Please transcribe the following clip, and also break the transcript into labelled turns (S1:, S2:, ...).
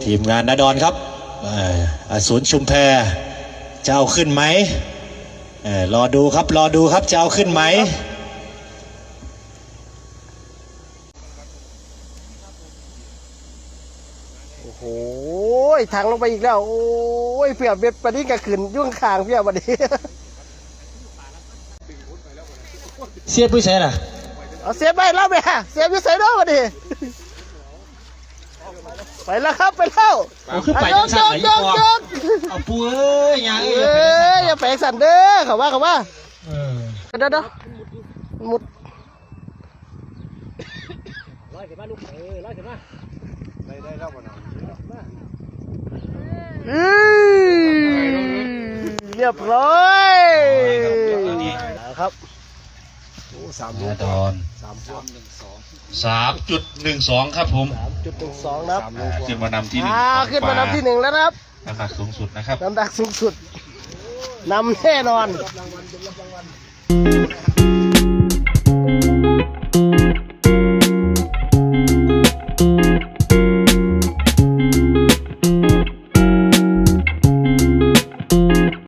S1: ทีมงานนาดอนครับอสูรชุมแพจะเอาขึ้นไหมรอดูครับจะเอาขึ้นไหม
S2: โอ้โหทางลงไปอีกแล้วโอ้ยเพียบเบ็ดปนี้ก็ขึ้นยุ่งคางเพียบวันนี้
S1: เสียบผู้ใช่น่ะ
S2: เอาเสียบไปแล้วแม่เสียบอยู่ใส่ด้วยวันนี้ไปแล้วครับไปแล้ว
S1: ขึ้นไปยังสั่นไหนเอาปูเอ้ยยัง
S2: อย่าแปลงสั่นเด้อเขาว่าเดี๋ยวมุดร้อยขึ้นมาลูกร้อยขึ้นมาได้แล้วบ่เนาะเรียบร้อยครับโอ้
S1: นาดอน3.12ครับผม
S2: 3.12ครับ
S1: ขึ้นมานำที่1
S2: ขึ้นมานำที่1แล้วนะครับ
S1: น้ำหนักสูงสุดนะครับ
S2: น้ำหนักสูงสุดนำแน่นอน